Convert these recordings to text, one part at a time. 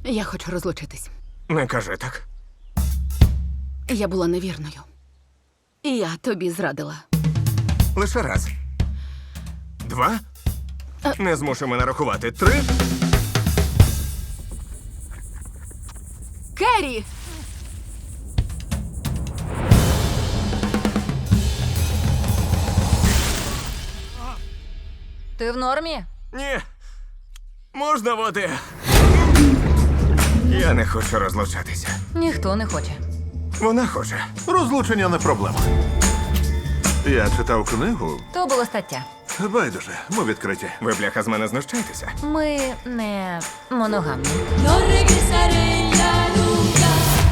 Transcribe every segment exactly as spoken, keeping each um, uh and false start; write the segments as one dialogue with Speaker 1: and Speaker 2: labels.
Speaker 1: Я хочу розлучитись.
Speaker 2: Не кажи так.
Speaker 1: Я була невірною. І я тобі зрадила.
Speaker 2: Лише раз. Два. Не змушуй мене рахувати. Три.
Speaker 1: Керрі!
Speaker 3: Ти в нормі?
Speaker 2: Ні. Можна води? Я не хочу розлучатися.
Speaker 3: Ніхто не хоче.
Speaker 2: Вона хоче.
Speaker 4: Розлучення не проблема. Я читав книгу.
Speaker 3: То була стаття.
Speaker 4: Байдуже, ми відкриті.
Speaker 2: Ви, бляха, з мене знущаєтеся?
Speaker 3: Ми не моногамні.
Speaker 5: No regresaré ya nunca.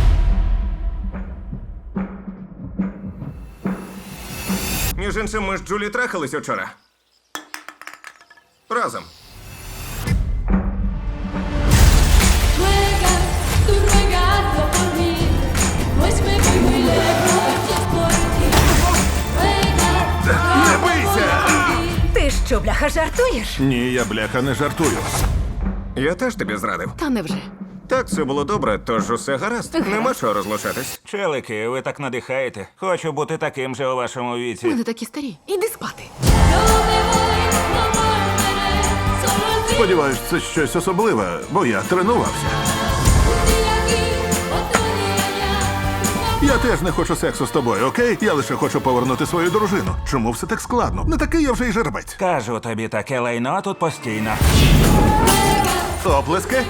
Speaker 2: Між іншим, ми з Джулі трахались учора. Разом.
Speaker 5: Ruegas, tú ruegando por mí, pues me voy muy lejos y es por ti. Ruegas,
Speaker 4: Не бийся!
Speaker 3: Ти що, бляха, жартуєш?
Speaker 4: Ні, я бляха не жартую.
Speaker 2: Я теж тобі зрадив.
Speaker 1: Та невже?
Speaker 2: Так, все було добре, тож усе гаразд. Нема чого розлучатись.
Speaker 6: Челики, ви так надихаєте. Хочу бути таким же у вашому
Speaker 1: Ми
Speaker 6: віці.
Speaker 1: не такі старі. Іди спати.
Speaker 5: no me voy, no volveré, solo el fin.
Speaker 4: Сподіваюсь, це щось особливе, бо я тренувався.
Speaker 5: Un día aquí, otro día allá.
Speaker 4: Я теж не хочу сексу з тобою, окей? Я лише хочу повернути свою дружину. Чому все так складно? Не такий я вже й жеребець.
Speaker 6: Кажу тобі, таке лайно тут постійно.
Speaker 4: Оплески?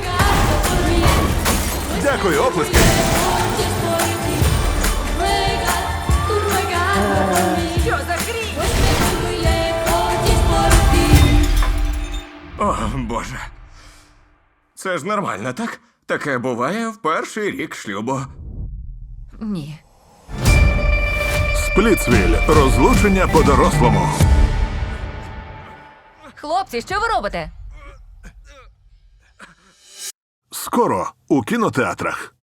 Speaker 4: Дякую, оплески.
Speaker 5: Y es por ti. Ruegas, tú ruegando por mí,
Speaker 3: Що за хрінь?
Speaker 5: pues me voy muy lejos y es por ti.
Speaker 2: О, Боже. Це ж нормально, так? Таке буває в перший рік шлюбу.
Speaker 3: Ні.
Speaker 4: Сплітсвіль. Розлучення по-дорослому.
Speaker 3: Хлопці, що ви робите?
Speaker 4: Скоро у кінотеатрах.